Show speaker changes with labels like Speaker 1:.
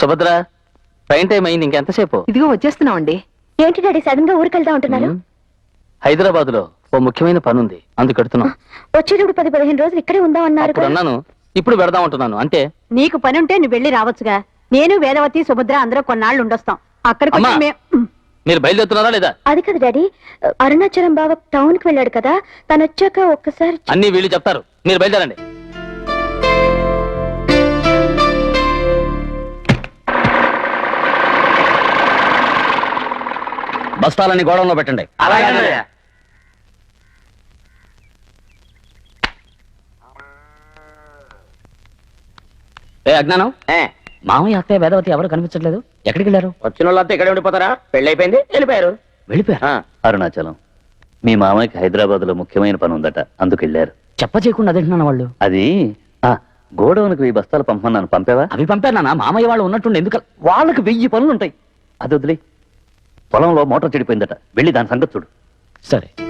Speaker 1: Subhadra, train time అయింది, ఇంకెంతసేపు?
Speaker 2: ఇదిగో వచ్చేస్తున్నామండి.
Speaker 3: ఏంటి డాడీ సడన్ గా ఊరికి వెళ్తా ఉంటున్నారు?
Speaker 1: హైదరాబాద్ లో ఓ ముఖ్యమైన పని ఉంది, అందుకు పెడుతున్నాం.
Speaker 3: వచ్చేటప్పుడు 10-15 రోజులు ఇక్కడే ఉందాం అన్నారు.
Speaker 1: అప్పుడు అన్నాను, ఇప్పుడు పెడదాం అంటున్నాను. అంటే
Speaker 2: నీకు పని ఉంటే నువ్వు వెళ్ళి రావచ్చుగా. నేను వేదవతి సుభద్ర అందరూ కొన్నాళ్ళు ఉండొస్తాం. అక్కడికి
Speaker 1: అమ్మా,
Speaker 2: వచ్చి
Speaker 1: మీరు బయలుదేరుతున్నారా లేదా?
Speaker 3: అది కదా డాడీ, అరుణాచలం బావ టౌన్ కి వెళ్ళాడు కదా, తను వచ్చాక ఒక్కసారి
Speaker 1: అన్ని వీళ్ళు చెప్తారు, మీరు బయలుదేరండి. బస్తాలన్నీ గోడంలో పెట్టండి. ఏ అజ్ఞానం, మామయ్య అత్తయ్య వేదవతి ఎవరు కనిపించట్లేదు, ఎక్కడికి వెళ్ళారు?
Speaker 4: వచ్చిన వాళ్ళంతా ఇక్కడే ఉండిపోతారా? పెళ్లి అయిపోయింది, వెళ్ళిపోయారు.
Speaker 1: వెళ్ళిపోయారు.
Speaker 5: అరుణాచలం, మీ మామయ్యకి హైదరాబాద్ లో ముఖ్యమైన పని ఉందట, అందుకు వెళ్ళారు.
Speaker 1: చెప్ప చేయకుండా అదేంటున్నాను వాళ్ళు.
Speaker 5: అది గోడౌన్కి 1000 బస్తాలు పంపమన్నాను, పంపావా?
Speaker 1: అవి పంపానా? మామయ్య వాళ్ళు ఉన్నట్టుండి ఎందుకు?
Speaker 5: వాళ్ళకి 1000 పనులు ఉంటాయి, అది వదిలే. పొలంలో మోటార్ చెడిపోయిందట, వెళ్ళి దాని సంగతి చూడు.
Speaker 1: సరే.